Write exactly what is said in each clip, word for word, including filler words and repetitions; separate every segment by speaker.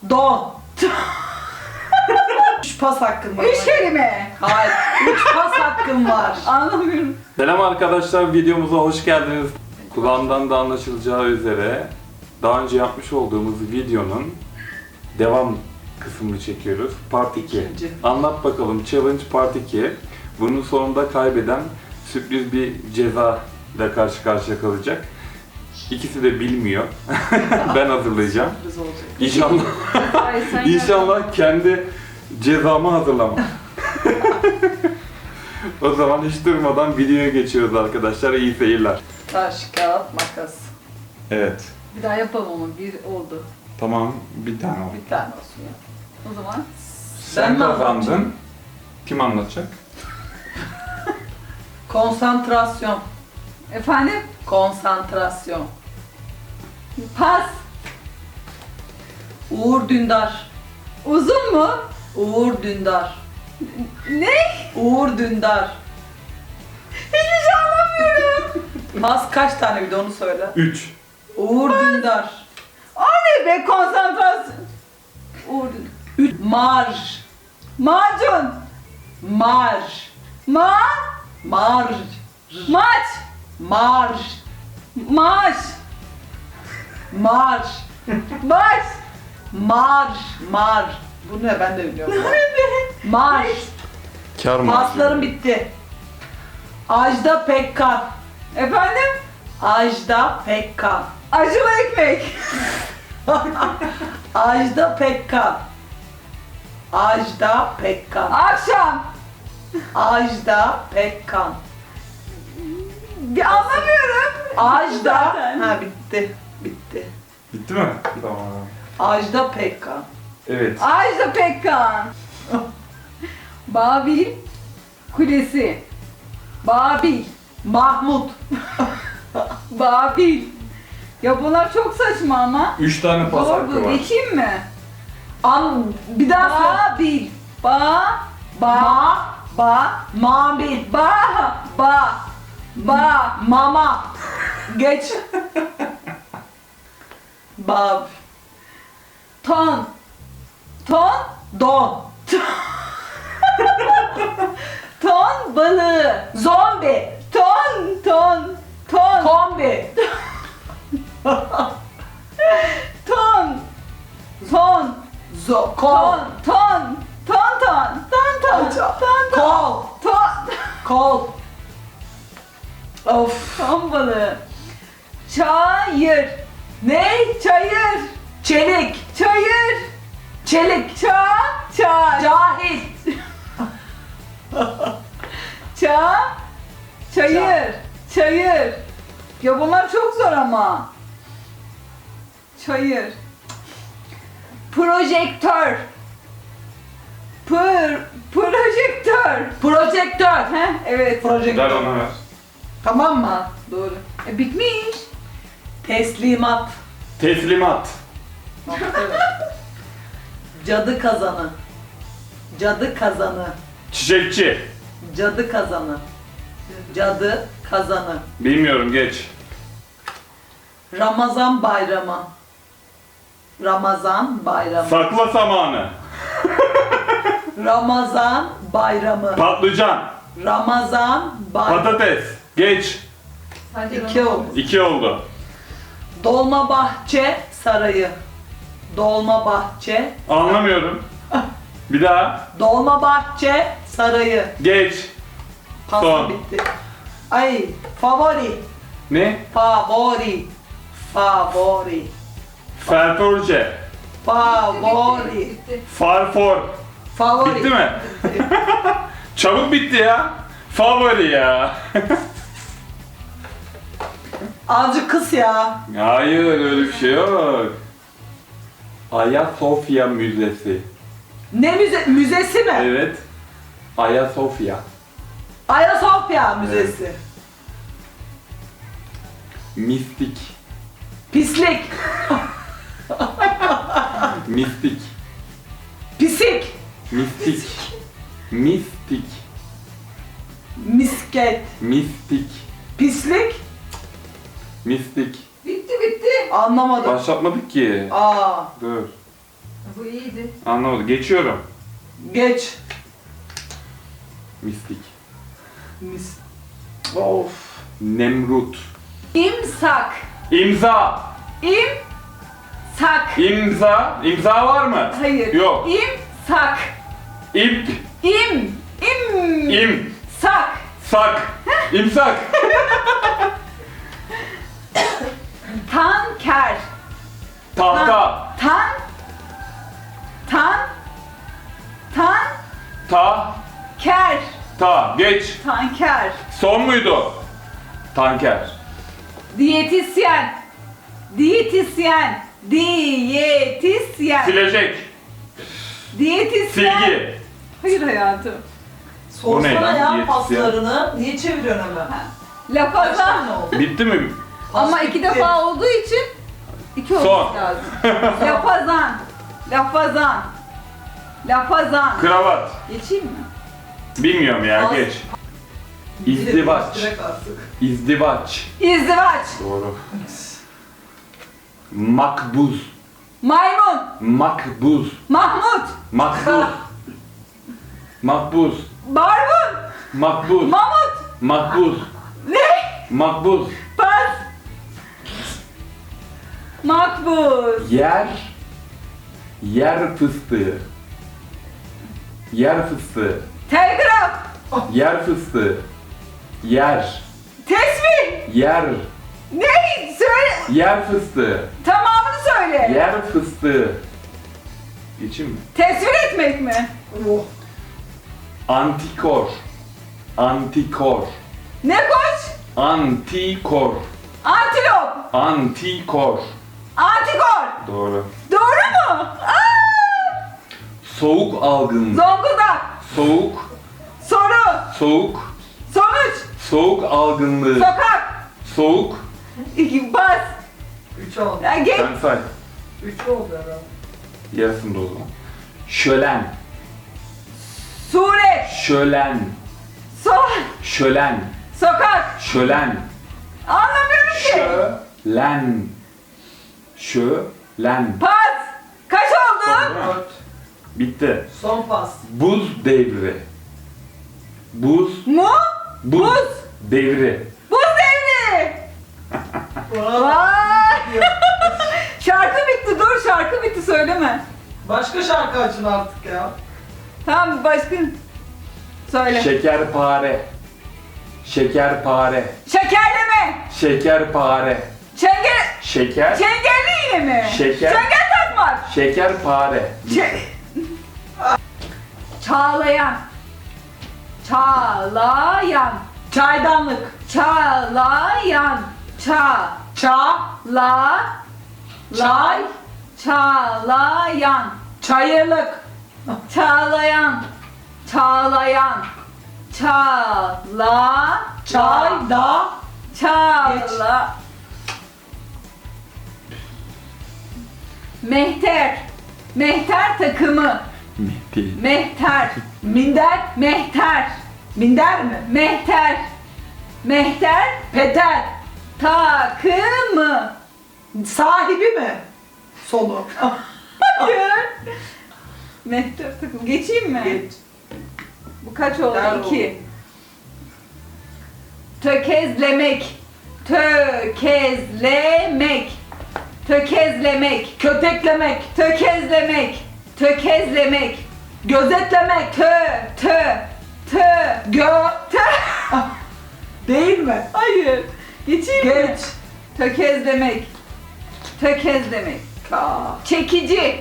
Speaker 1: Don. Üç pas hakkım var.
Speaker 2: Üç kelime.
Speaker 1: Hayır. Üç pas hakkım var.
Speaker 2: Anlamıyorum.
Speaker 3: Selam arkadaşlar, videomuza hoş geldiniz. Kulağımdan da anlaşılacağı üzere daha önce yapmış olduğumuz videonun devam kısmını çekiyoruz. Part iki.
Speaker 1: İkinci.
Speaker 3: Anlat bakalım, Challenge Part iki. Bunun sonunda kaybeden sürpriz bir ceza ile karşı karşıya kalacak. İkisi de bilmiyor. Ben hazırlayacağım.
Speaker 1: Sürpriz olacak.
Speaker 3: İnşallah,
Speaker 2: Ay, sen
Speaker 3: inşallah kendi cezamı hazırlamam. O zaman hiç durmadan videoya geçiyoruz arkadaşlar. İyi seyirler.
Speaker 1: Taş, kağıt, makas.
Speaker 3: Evet.
Speaker 2: Bir daha yapalım ama bir oldu.
Speaker 3: Tamam, bir tane oldu.
Speaker 1: Bir tane olsun ya.
Speaker 2: O zaman
Speaker 3: Sen
Speaker 1: mi
Speaker 3: kazandın.
Speaker 1: anlatacaksın?
Speaker 3: Kim anlatacak?
Speaker 1: Konsantrasyon.
Speaker 2: efendim
Speaker 1: Konsantrasyon.
Speaker 2: pas.
Speaker 1: Uğur Dündar.
Speaker 2: Uzun mu?
Speaker 1: Uğur Dündar.
Speaker 2: Ne?
Speaker 1: Uğur Dündar.
Speaker 2: Hiçbir şey anlamıyorum.
Speaker 1: Pas kaç tane bir de onu söyle.
Speaker 3: Üç.
Speaker 1: Uğur Dündar.
Speaker 2: O ne be konsantrasyon? Uğur.
Speaker 1: Üç. Marj.
Speaker 2: Macun.
Speaker 1: Marj.
Speaker 2: Ma.
Speaker 1: Marj.
Speaker 2: Maç.
Speaker 1: Marj.
Speaker 2: Maaş.
Speaker 1: Marj.
Speaker 2: Baş.
Speaker 1: Marj. Marj. Bu ne ben de biliyorum. Marj.
Speaker 3: Kar mı?
Speaker 1: Paslarım bitti. Ajda Pekkan.
Speaker 2: Efendim?
Speaker 1: Ajda Pekkan.
Speaker 2: Acılı ekmek.
Speaker 1: Ajda Pekkan. Ajda Pekkan.
Speaker 2: Akşam.
Speaker 1: Ajda Pekkan.
Speaker 2: Bir anlamıyorum.
Speaker 1: Ajda.
Speaker 2: Zaten.
Speaker 1: Ha bitti. Bitti.
Speaker 3: Bitti mi? Tamam.
Speaker 1: Ajda Pekkan.
Speaker 3: Evet.
Speaker 2: Ajda Pekkan. Babil Kulesi. Babil.
Speaker 1: Mahmut.
Speaker 2: Babil. Ya bunlar çok saçma ama.
Speaker 3: Üç tane pas
Speaker 2: Zor
Speaker 3: hakkı
Speaker 2: bu.
Speaker 3: var.
Speaker 2: Geçeyim mi?
Speaker 1: An bir daha söyle.
Speaker 2: Babil. Ba. Ba.
Speaker 1: Ma.
Speaker 2: Ba.
Speaker 1: Mabil.
Speaker 2: Ba. Ba. Ba.
Speaker 1: Mama. Geç. Bab.
Speaker 2: Ton. Ton.
Speaker 1: Don.
Speaker 2: Ton balığı.
Speaker 1: Zombi.
Speaker 2: Ton. Ton. Ton.
Speaker 1: Kombi.
Speaker 2: Ton. Ton.
Speaker 1: Zo
Speaker 2: Ton.
Speaker 1: kol.
Speaker 2: Ton. Ton ton. Ton ton.
Speaker 1: Hocam.
Speaker 2: Ton ton.
Speaker 1: Kol.
Speaker 2: Ton.
Speaker 1: Kol. Of.
Speaker 2: Ton balığı. Çayır.
Speaker 1: Ne?
Speaker 2: Çayır.
Speaker 1: Çelik.
Speaker 2: Çayır.
Speaker 1: Çelik.
Speaker 2: Ça. Ça.
Speaker 1: Cahil.
Speaker 2: Ça. Çayır. Çayır. Ya bunlar çok zor ama. Çayır. Projektör. Pır. Projektör.
Speaker 1: Projektör.
Speaker 2: Heh, evet.
Speaker 1: Projektör.
Speaker 3: Ver ona ver.
Speaker 1: Tamam mı?
Speaker 2: Ha, doğru. E, bitmiş.
Speaker 1: Teslimat.
Speaker 3: Teslimat.
Speaker 1: Cadı kazanı. Cadı kazanı.
Speaker 3: Çiçekçi.
Speaker 1: Cadı kazanı. Cadı kazanı.
Speaker 3: Bilmiyorum, geç.
Speaker 1: Ramazan bayramı. Ramazan bayramı.
Speaker 3: Sakla zamanı.
Speaker 1: Ramazan bayramı.
Speaker 3: Patlıcan.
Speaker 1: Ramazan bayramı.
Speaker 3: Patates. Geç.
Speaker 1: İki oldu.
Speaker 3: İki oldu.
Speaker 1: Dolmabahçe Sarayı. Dolmabahçe.
Speaker 3: Anlamıyorum. Bir daha.
Speaker 1: Dolmabahçe Sarayı.
Speaker 3: Geç.
Speaker 1: Pasta
Speaker 3: Son.
Speaker 1: bitti. Ay favori.
Speaker 3: Ne?
Speaker 1: Favori. Favori.
Speaker 3: Ferforce.
Speaker 1: Favori.
Speaker 3: Farfor.
Speaker 1: Favori.
Speaker 3: Bitti mi? Çabuk bitti ya. Favori ya.
Speaker 1: Azıcık kız ya.
Speaker 3: Hayır, öyle bir şey yok. Ayasofya Müzesi.
Speaker 1: Ne müze müzesi mi?
Speaker 3: Evet. Ayasofya.
Speaker 1: Ayasofya Müzesi.
Speaker 3: Mistik.
Speaker 1: Pislik.
Speaker 3: Mistik.
Speaker 1: Pisik.
Speaker 3: Mistik. Mistik.
Speaker 1: Misket.
Speaker 3: Mistik.
Speaker 1: Pislik.
Speaker 3: Mistik.
Speaker 2: Bitti bitti.
Speaker 1: Anlamadım.
Speaker 3: Başlatmadık ki.
Speaker 1: Aa.
Speaker 3: Dur.
Speaker 2: Bu iyiydi.
Speaker 3: Anlamadım. Geçiyorum.
Speaker 1: Geç.
Speaker 3: Mistik.
Speaker 1: Mis. Of.
Speaker 3: Nemrut.
Speaker 2: İmsak.
Speaker 3: İmza.
Speaker 2: İmsak.
Speaker 3: İmza. İmza var mı?
Speaker 2: Hayır.
Speaker 3: Yok.
Speaker 2: İmsak.
Speaker 3: İp.
Speaker 2: İm. İm.
Speaker 3: İm.
Speaker 2: Sak.
Speaker 3: Sak. İmsak.
Speaker 2: Tanker.
Speaker 3: Tahta.
Speaker 2: Tan. Tan. Tan.
Speaker 3: Ta.
Speaker 2: Ker.
Speaker 3: Ta. Geç.
Speaker 2: Tanker.
Speaker 3: Son muydu? Tanker.
Speaker 2: Diyetisyen. Diyetisyen. Diyetisyen.
Speaker 3: Silecek.
Speaker 2: Diyetisyen.
Speaker 3: Silgi.
Speaker 2: Hayır hayatım.
Speaker 3: O ne
Speaker 1: Sorsana
Speaker 3: lan?
Speaker 1: ya
Speaker 3: Diyetisyen.
Speaker 1: paslarını. Niye çeviriyorsun hemen? Kaç
Speaker 2: Lafazan.
Speaker 1: tane oldu?
Speaker 3: Bitti mi?
Speaker 2: Ama
Speaker 1: Pas
Speaker 2: iki
Speaker 1: bitti.
Speaker 2: defa olduğu için iki olması
Speaker 3: Son.
Speaker 2: lazım. Lafazan. Lafazan. Lafazan.
Speaker 3: Kravat.
Speaker 2: Geçeyim mi?
Speaker 3: Bilmiyorum ya.
Speaker 1: Pas.
Speaker 3: Geç. İzdivaç.
Speaker 1: Direkt artık.
Speaker 3: İzdivaç.
Speaker 2: İzdivaç.
Speaker 3: Doğru. Makbuz.
Speaker 2: Maymun.
Speaker 3: Makbuz.
Speaker 2: Mahmut.
Speaker 3: Makbuz. Makbuz.
Speaker 2: Barbun.
Speaker 3: Makbuz.
Speaker 2: Mamut.
Speaker 3: Makbuz.
Speaker 2: Ne?
Speaker 3: Makbuz.
Speaker 2: Pas. Makbuz.
Speaker 3: Yer. Yer fıstığı. Yer fıstığı.
Speaker 2: Telgraf.
Speaker 3: Yer fıstığı. Yer.
Speaker 2: Tesbih.
Speaker 3: Yer.
Speaker 2: Ne? Söyle.
Speaker 3: Yer fıstığı.
Speaker 2: Tamamını söyle.
Speaker 3: Yer fıstığı. Geçeyim mi?
Speaker 2: Tesvir etmek mi?
Speaker 1: Oh.
Speaker 3: Antikor. Antikor.
Speaker 2: Ne koç?
Speaker 3: Antikor.
Speaker 2: Antilop.
Speaker 3: Antikor.
Speaker 2: Antikor.
Speaker 3: Doğru.
Speaker 2: Doğru mu? Aa!
Speaker 3: Soğuk algınlığı.
Speaker 2: Zonguldak.
Speaker 3: Soğuk.
Speaker 2: Soru.
Speaker 3: Soğuk.
Speaker 2: Sonuç.
Speaker 3: Soğuk algınlığı.
Speaker 2: Sokak.
Speaker 3: Soğuk.
Speaker 2: İki, bas.
Speaker 1: Üç oldu.
Speaker 2: Ya geç.
Speaker 3: Sen say.
Speaker 1: Üç oldu herhalde.
Speaker 3: Yarısında o zaman. Şölen.
Speaker 2: Suret.
Speaker 3: Şölen.
Speaker 2: So
Speaker 3: Şölen.
Speaker 2: sokak.
Speaker 3: Şölen.
Speaker 2: Anlamıyorum ki.
Speaker 3: Şölen. Şölen.
Speaker 2: Pas. Kaç oldu?
Speaker 1: Dört.
Speaker 3: Bitti.
Speaker 1: Son pas.
Speaker 3: Buz devri. Buz.
Speaker 2: Mu?
Speaker 3: Buz.
Speaker 2: Buz.
Speaker 3: Devri.
Speaker 2: Buz devri.
Speaker 1: Bravo.
Speaker 2: Vay. Şarkı bitti. Dur şarkı bitti söyleme.
Speaker 1: Başka şarkı açın artık ya.
Speaker 2: Tamam başka. Söyle.
Speaker 3: Şekerpare. Şekerpare.
Speaker 2: Şekerleme.
Speaker 3: Şekerpare.
Speaker 2: Çengel.
Speaker 3: Şeker.
Speaker 2: Çengelli iğne mi?
Speaker 3: Şeker.
Speaker 2: Çengel takmak.
Speaker 3: Şekerpare.
Speaker 2: Ç- Çağlayan. Çağlayan.
Speaker 1: Çaydanlık.
Speaker 2: Çağlayan. Ça.
Speaker 1: Ça.
Speaker 2: La.
Speaker 1: Çay.
Speaker 2: Çağlayan.
Speaker 1: Çayırlık.
Speaker 2: Çağlayan. Çağlayan. Çağla.
Speaker 1: Çay. Da.
Speaker 2: Çağla. Mehter. Mehter takımı.
Speaker 3: Mehdi.
Speaker 2: Mehter.
Speaker 1: Minder.
Speaker 2: Mehter.
Speaker 1: Minder mi?
Speaker 2: Mehter. Mehter.
Speaker 1: Peter.
Speaker 2: Takımı.
Speaker 1: Sahibi mi? Sonu.
Speaker 2: Hayır. Mehter takımı. Geçeyim mi?
Speaker 1: Geç.
Speaker 2: Bu kaç oldu?
Speaker 1: Gel
Speaker 2: İki. Tökezlemek. Tökezlemek. Tökezlemek.
Speaker 1: Köteklemek.
Speaker 2: Tökezlemek. Tökezlemek.
Speaker 1: Gözetlemek.
Speaker 2: Tö. Tö. Tö.
Speaker 1: Gö.
Speaker 2: Tö.
Speaker 1: Değil mi?
Speaker 2: Hayır. Geçeyim mi?
Speaker 1: Geç.
Speaker 2: Tökezlemek. Tökezlemek.
Speaker 1: Ka.
Speaker 2: Çekici.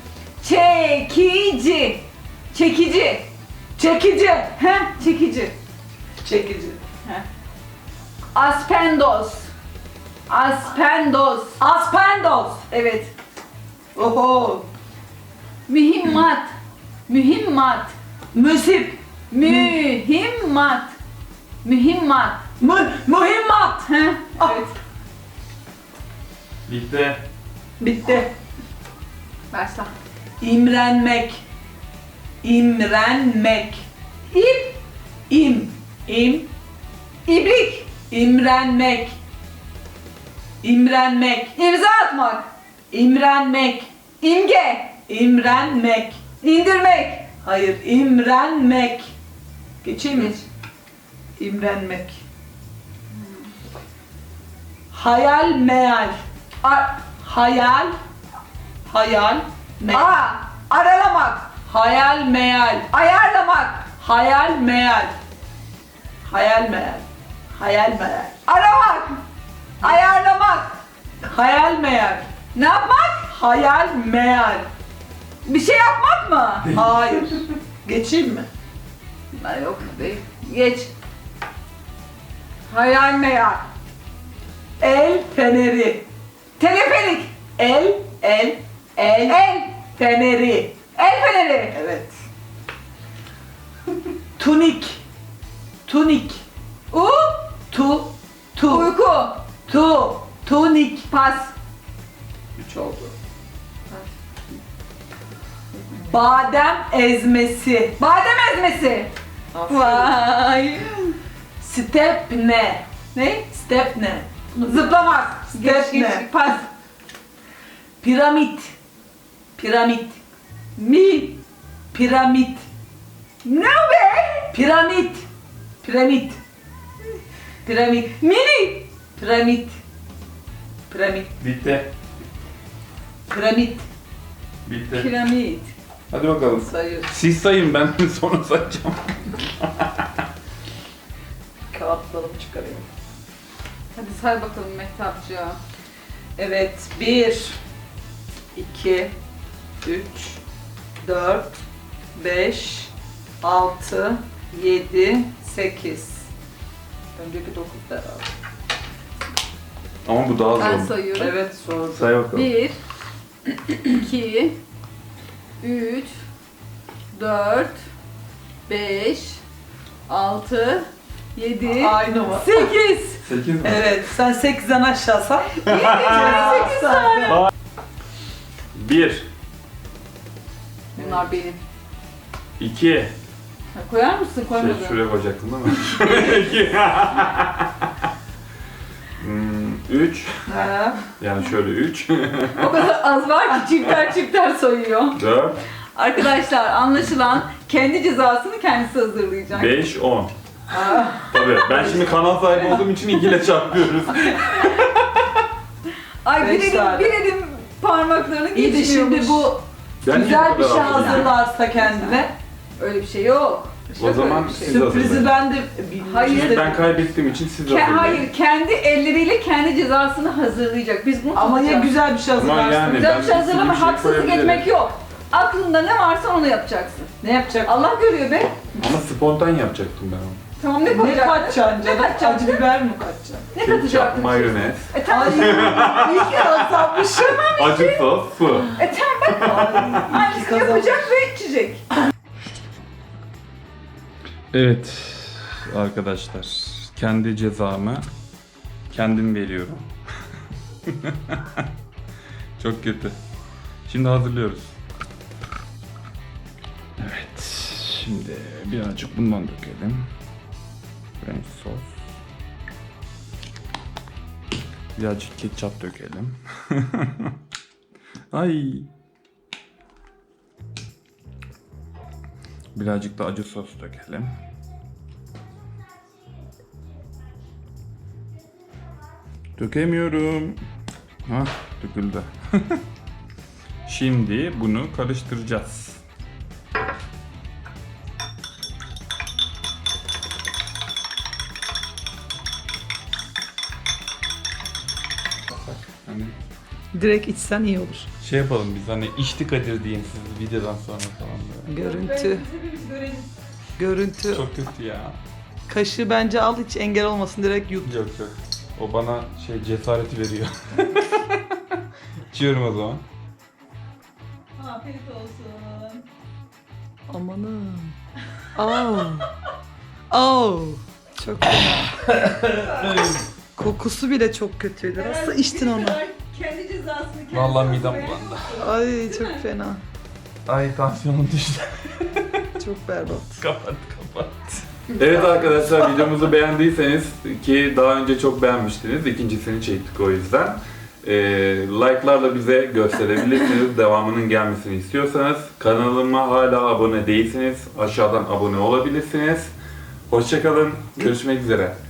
Speaker 2: Çekici. Çekici.
Speaker 1: Çekici.
Speaker 2: Heh, çekici.
Speaker 1: Çekici.
Speaker 2: Heh. Aspendos. Aspendos.
Speaker 1: Aspendos.
Speaker 2: Evet.
Speaker 1: Oho.
Speaker 2: Mühimmat. Mühimmat.
Speaker 1: Müsip.
Speaker 2: Mühimmat. Mühimmat.
Speaker 1: Mü mühimmat.
Speaker 2: Heh,
Speaker 1: Ah.
Speaker 2: evet.
Speaker 3: Bitti.
Speaker 1: Bitti.
Speaker 2: Başla.
Speaker 1: İmrenmek. İmrenmek.
Speaker 2: İp.
Speaker 1: İm. İm.
Speaker 2: İbrik.
Speaker 1: İmrenmek. İmrenmek.
Speaker 2: İmza atmak.
Speaker 1: İmrenmek.
Speaker 2: İmge.
Speaker 1: İmrenmek.
Speaker 2: İndirmek.
Speaker 1: Hayır, imrenmek. Geçeyim mi?
Speaker 2: Geç.
Speaker 1: İmrenmek. Hayal meyal.
Speaker 2: A-
Speaker 1: Hayal. Hayal. Me-
Speaker 2: A. Aralamak.
Speaker 1: hayal meyal.
Speaker 2: Ayarlamak.
Speaker 1: Hayal meyal. Hayal meyal. Hayal meyal.
Speaker 2: Aramak. Ayarlamak.
Speaker 1: Hayal meyal.
Speaker 2: Ne yapmak?
Speaker 1: Hayal meyal.
Speaker 2: Bir şey yapmak mı?
Speaker 1: Hayır. Geçeyim mi?
Speaker 2: Ha, yok değil. Geç. Hayal meyal.
Speaker 1: El feneri.
Speaker 2: Teleferik.
Speaker 1: El, el, el,
Speaker 2: El.
Speaker 1: feneri.
Speaker 2: El feneri.
Speaker 1: Evet. Tunik. Tunik.
Speaker 2: U.
Speaker 1: Tu, tu,
Speaker 2: Uyku.
Speaker 1: tu, tunik.
Speaker 2: Pas.
Speaker 1: Üç oldu. Badem ezmesi.
Speaker 2: Badem ezmesi.
Speaker 1: Aferin.
Speaker 2: Vay.
Speaker 1: Stepne.
Speaker 2: Ne?
Speaker 1: Stepne.
Speaker 2: Zıplamak. Geç
Speaker 1: Step
Speaker 2: geç.
Speaker 1: ne?
Speaker 2: Pas.
Speaker 1: Piramit. Piramit.
Speaker 2: Mi.
Speaker 1: Piramit.
Speaker 2: Ne be?
Speaker 1: Piramit. Piramit. Piramit.
Speaker 2: Mini.
Speaker 1: Piramit. Piramit.
Speaker 3: Bitti.
Speaker 1: Piramit.
Speaker 3: Bitti.
Speaker 2: Piramit.
Speaker 3: Hadi bakalım.
Speaker 1: Sayıyoruz.
Speaker 3: Siz sayın, ben sonra sayacağım.
Speaker 1: Kağıtlarımı çıkarayım.
Speaker 2: Hadi say bakalım Mehtapcığım.
Speaker 1: Evet. Bir, iki, üç, dört, beş, altı, yedi, sekiz. Önceki dokuz herhalde.
Speaker 3: Ama bu daha
Speaker 2: Ben
Speaker 3: zor.
Speaker 2: sayıyorum.
Speaker 1: Evet, sordu.
Speaker 3: Say bakalım.
Speaker 2: Bir, iki, üç, dört, beş, altı, yedi,
Speaker 1: Aynı mı?
Speaker 2: sekiz.
Speaker 3: sekiz mi?
Speaker 1: Evet, sen sekizden aşağı say.
Speaker 2: sekiz tane.
Speaker 3: bir,
Speaker 2: Bunlar benim.
Speaker 3: iki,
Speaker 2: Ha, koyar mısın? Koymadın.
Speaker 3: şey, şuraya koyacaktım değil mi? iki, hmm, üç,
Speaker 1: Ha.
Speaker 3: yani şöyle üç,
Speaker 2: O kadar az var ki çifter çifter sayıyor.
Speaker 3: dört,
Speaker 2: Arkadaşlar anlaşılan kendi cezasını kendisi hazırlayacak.
Speaker 3: beş, on.
Speaker 1: Ha.
Speaker 3: Tabii ben şimdi kanal sahibi olduğum için iki ile çarpıyoruz.
Speaker 2: Ay bir
Speaker 1: Beş
Speaker 2: elim,
Speaker 1: tane.
Speaker 2: bir elim parmaklarını
Speaker 1: İyi de
Speaker 2: geçmiyormuş.
Speaker 1: şimdi bu
Speaker 3: Ben niye
Speaker 1: güzel
Speaker 3: bu
Speaker 1: bir
Speaker 3: kadar
Speaker 1: şey
Speaker 3: hazırım?
Speaker 1: hazırlarsa kendine,
Speaker 2: Öyle bir şey yok.
Speaker 3: O
Speaker 2: Yok
Speaker 3: zaman
Speaker 2: öyle bir şey.
Speaker 3: siz
Speaker 1: sürprizi
Speaker 3: hazırlayın.
Speaker 1: ben de bilmiyorum.
Speaker 2: Hayır.
Speaker 3: Çünkü ben kaybettiğim için siz
Speaker 2: Ke-
Speaker 3: hazırlayın.
Speaker 2: hayır, kendi elleriyle kendi cezasını hazırlayacak. Biz bunu
Speaker 1: Ama ya
Speaker 2: tutacağız.
Speaker 1: güzel bir şey
Speaker 3: Ama
Speaker 1: hazırlarsın.
Speaker 3: yani-
Speaker 2: Güzel bir şey
Speaker 3: Ben
Speaker 2: hazırlama,
Speaker 3: bir şey
Speaker 2: haksızlık
Speaker 3: koyabilirim.
Speaker 2: etmek yok. Aklında ne varsa onu yapacaksın.
Speaker 1: Ne yapacak?
Speaker 2: Allah görüyor be.
Speaker 3: Ama spontan yapacaktım ben onu.
Speaker 2: Tamam ne
Speaker 1: Ne
Speaker 2: koyacaksın?
Speaker 1: kaçacaksın
Speaker 2: Ne
Speaker 1: canım?
Speaker 2: kaçacaksın?
Speaker 1: Acı biber mi kaçacaksın?
Speaker 2: Ne
Speaker 3: Ketçap,
Speaker 2: katacaksın?
Speaker 3: mayonez,
Speaker 2: E tamam.
Speaker 1: Ay, iyi ki azalmışım.
Speaker 3: acı sos, su.
Speaker 2: E tamam bak.
Speaker 1: Ay, iyi ki
Speaker 2: Aynısını
Speaker 1: kazanmışım.
Speaker 2: yapacak ve içecek.
Speaker 3: Evet arkadaşlar, kendi cezamı kendim veriyorum. Çok kötü. Şimdi hazırlıyoruz. Evet, şimdi birazcık bundan dökelim. French sos. Birazcık ketçap dökelim. Ay. Birazcık da acı sos dökelim. Dökemiyorum. Hah, döküldü. Şimdi bunu karıştıracağız. Hani
Speaker 1: Direkt içsen iyi olur.
Speaker 3: şey yapalım biz, hani içti Kadir diyeyim siz videodan sonra falan böyle.
Speaker 1: Görüntü, görüntü.
Speaker 3: Çok kötü ya.
Speaker 1: Kaşığı bence al, hiç engel olmasın, direkt yut.
Speaker 3: Yok yok. O bana şey cesareti veriyor. İçiyorum o zaman.
Speaker 2: Afiyet olsun.
Speaker 1: Amanım. Oh. Oh. Çok fena. Kokusu bile çok kötüydü. Nasıl içtin onu?
Speaker 2: Kendi cezasını kendisi
Speaker 3: Vallahi midem
Speaker 2: hazırlayacak.
Speaker 3: bulandı.
Speaker 1: Ay çok fena.
Speaker 3: Ay tansiyonum düştü.
Speaker 1: Çok berbat.
Speaker 3: Kapat kapat. Evet arkadaşlar, videomuzu beğendiyseniz, ki daha önce çok beğenmiştiniz, ikincisini çektik o yüzden. Ee, like'larla bize gösterebilirsiniz. Devamının gelmesini istiyorsanız. Kanalıma hala abone değilseniz aşağıdan abone olabilirsiniz. Hoşça kalın. Görüşmek üzere.